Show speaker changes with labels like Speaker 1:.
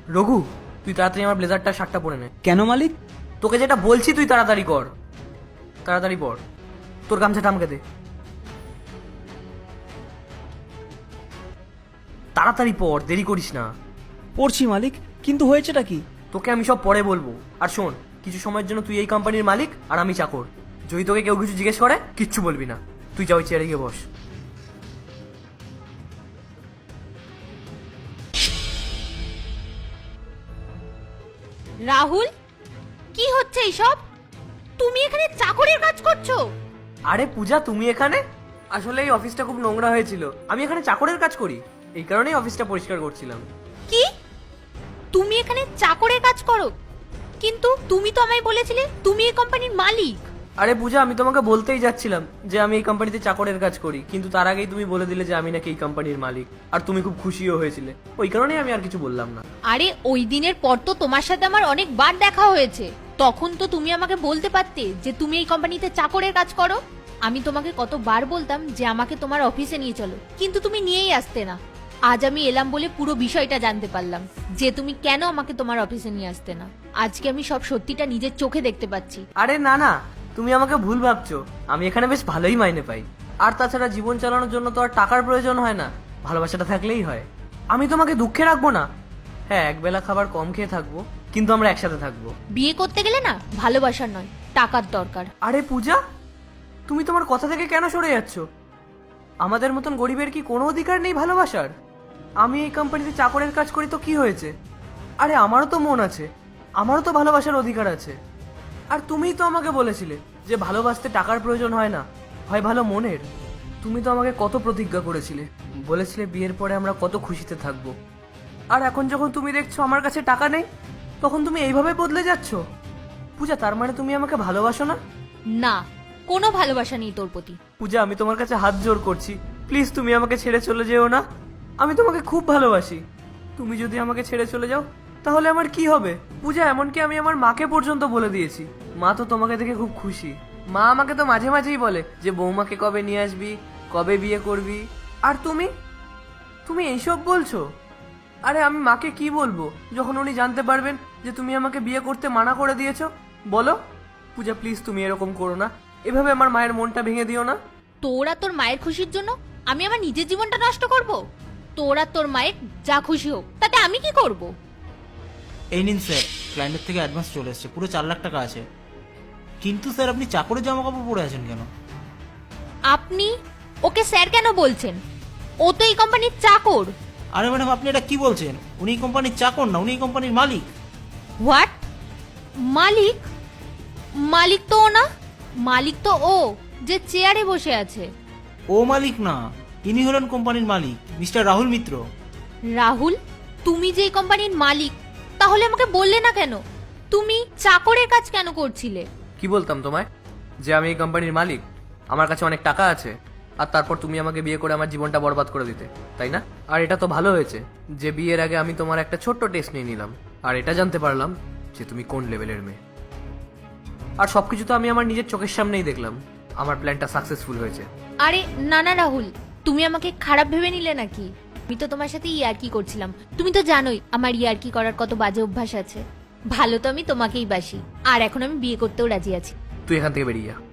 Speaker 1: রঘু, তুই তাড়াতাড়ি আমার ব্লেজারটা শার্টটা পরে নে।
Speaker 2: কেন মালিক?
Speaker 1: তোকে যেটা বলছি তুই তাড়াতাড়ি কর, তাড়াতাড়ি পর। তোর গামছাটা আমাকে দে, তাড়াতাড়ি পর, দেরি করিস না।
Speaker 2: পড়ছি মালিক, কিন্তু হয়েছেটা কি?
Speaker 1: তোকে আমি সব পরে বলবো। আর শোন, কিছু সময়ের জন্য তুই এই কোম্পানির মালিক আর আমি চাকর। যদি তোকে কেউ কিছু জিজ্ঞেস করে কিচ্ছু বলবি না, তুই যা ওই চেয়ারে গিয়ে বস।
Speaker 3: রাহুল, কি হচ্ছে এইসব? তুমি এখানে চাকরের কাজ করছো?
Speaker 1: আরে পূজা, তুমি এখানে? আসলে এই অফিসটা খুব নোংরা হয়েছিল, আমি এখানে চাকরের কাজ করি, এই কারণেই অফিসটা পরিষ্কার করছিলাম।
Speaker 3: কি, তুমি এখানে চাকরের কাজ করো? কিন্তু তুমি তো আমায় বলেছিলে তুমি এই কোম্পানির মালিক।
Speaker 1: আরে পূজা, আমি তোমাকে বলতেই যাচ্ছিলাম যে আমি এই কোম্পানিতে চাকরের কাজ করি, কিন্তু তার আগেই তুমি বলে দিলে যে আমি নাকি এই কোম্পানির মালিক, আর তুমি খুব খুশিও হয়েছিলে, ওই কারণেই আমি আর কিছু বললাম না।
Speaker 3: আরে ওই দিনের পর তো তোমার সাথে আমার অনেকবার দেখা হয়েছে, তখন তো তুমি আমাকে বলতে পারতে যে তুমি এই কোম্পানিতে চাকরের কাজ করো। আমি তোমাকে কতবার বলতাম যে আমাকে তোমার অফিসে নিয়ে চলো, কিন্তু তুমি নিয়েই আসতে না। আজ আমি এলাম বলে পুরো বিষয়টা জানতে পারলাম যে তুমি কেন আমাকে তোমার অফিসে নিয়ে আসতে না। আজকে আমি সব সত্যিটা নিজের চোখে দেখতে পাচ্ছি।
Speaker 1: আরে না না, তুমি আমাকে ভুল ভাবছো, আমি এখানে বেশ ভালোই মাইনে পাই। আর তাছাড়া জীবন চালানোর জন্য তো আর টাকার প্রয়োজন হয় না, ভালোবাসাটা থাকলেই হয়। আমি তোমাকে দুঃখে রাখবো না। হ্যাঁ, একবেলা খাবার কম খেয়ে থাকবো, কিন্তু আমরা একসাথে থাকবো।
Speaker 3: বিয়ে করতে গেলে না ভালোবাসার নয়, টাকার দরকার।
Speaker 1: আরে পূজা, তুমি তোমার কথা থেকে কেন সরে যাচ্ছ? আমাদের মতন গরিবের কি কোনো অধিকার নেই ভালোবাসার? আমি এই কোম্পানিতে চাকরের কাজ করি তো কি হয়েছে? আরে আমারও তো মন আছে, আমারও তো ভালোবাসার অধিকার আছে। আর তুমিই তো আমাকে বলেছিলে যে ভালোবাসতে টাকার প্রয়োজন হয় না, হয় ভালো মনের। তুমি তো আমাকে কত প্রতিজ্ঞা করেছিলে, বলেছিলে বিয়ের পরে আমরা কত খুশিতে থাকবো। আর এখন যখন তুমি দেখছো আমার কাছে টাকা নেই, তখন তুমি এইভাবে বদলে যাচ্ছ। পূজা, তার মানে তুমি আমাকে ভালোবাসো না?
Speaker 3: না, কোনো ভালোবাসা নেই তোর প্রতি।
Speaker 1: পূজা, আমি তোমার কাছে হাত জোর করছি, প্লিজ তুমি আমাকে ছেড়ে চলে যেও না। আমি তোমাকে খুব ভালোবাসি, তুমি যদি আমাকে ছেড়ে চলে যাও তাহলে আমার কি হবে? পূজা, এমনকি আমি আমার মাকে পর্যন্ত বলে দিয়েছি, মা তো তোমাকে দেখে খুব খুশি। মা আমাকে তো মাঝে মাঝেই বলে যে বৌমাকে কবে নিয়ে আসবি, কবে বিয়ে করবি। আর তুমি তুমি এইসব বলছো? আরে আমি মাকে কি বলবো যখন উনি জানতে পারবেন যে তুমি আমাকে বিয়ে করতে মানা করে দিয়েছো? বলো পূজা, প্লিজ তুমি এরকম করো না, এভাবে আমার মায়ের মনটা ভেঙে দিও না।
Speaker 3: তোরা তোর মায়ের খুশির জন্য আমি আমার নিজের জীবনটা নষ্ট করব? তোরা তোর মায়ের যা খুশি হোক, তাতে আমি কি করব?
Speaker 2: এই নিন স্যার, ক্লায়েন্টের থেকে অ্যাডভান্স চলে এসেছে, পুরো 4 লাখ টাকা আছে। কিন্তু স্যার, আপনি চাকরের জামা কাপড় পরে আছেন কেন?
Speaker 3: আপনি ওকে স্যার কেন বলছেন? ও তো এই কোম্পানির চাকর।
Speaker 2: আরে ম্যাডাম, আপনি এটা কি বলছেন? উনি এই কোম্পানির চাকর না, উনি এই কোম্পানির মালিক।
Speaker 3: হোয়াট? মালিক? মালিক তো ও না, মালিক তো ও যে চেয়ারে বসে আছে।
Speaker 2: ও মালিক না, ইনি হলেন কোম্পানির মালিক, মিস্টার রাহুল মিত্র।
Speaker 3: রাহুল, তুমি যে এই কোম্পানির মালিক, তাহলে আমাকে বললে না কেন? তুমি চাকরের কাজ কেন করছিলে?
Speaker 1: কি বলতাম তোমায় যে আমি এই কোম্পানির মালিক, আমার কাছে অনেক টাকা আছে, আর তারপর তুমি আমাকে বিয়ে করে আমার জীবনটা বরবাদ করে দিতে, তাই না? আর এটা তো ভালো হয়েছে যে বিয়ের আগে আমি তোমার একটা ছোট্ট টেস্ট নিয়ে নিলাম, আর এটা জানতে পারলাম যে তুমি কোন লেভেলের মেয়ে। আর সবকিছু তো আমি আমার নিজের চোখের সামনেই দেখলাম, আমার প্ল্যানটা সাকসেসফুল হয়েছে।
Speaker 3: আরে না না রাহুল, তুমি আমাকে খারাপ ভেবে নিলে নাকি? আমি তো তোমার সাথে ইয়ার্কি করছিলাম। তুমি তো জানোই আমার ইয়ার্কি করার কত বাজে অভ্যাস আছে। ভালো তো আমি তোমাকেই বাসি, আর এখন আমি বিয়ে করতেও রাজি আছি।
Speaker 1: তুই এখান থেকে বেরিয়ে যা।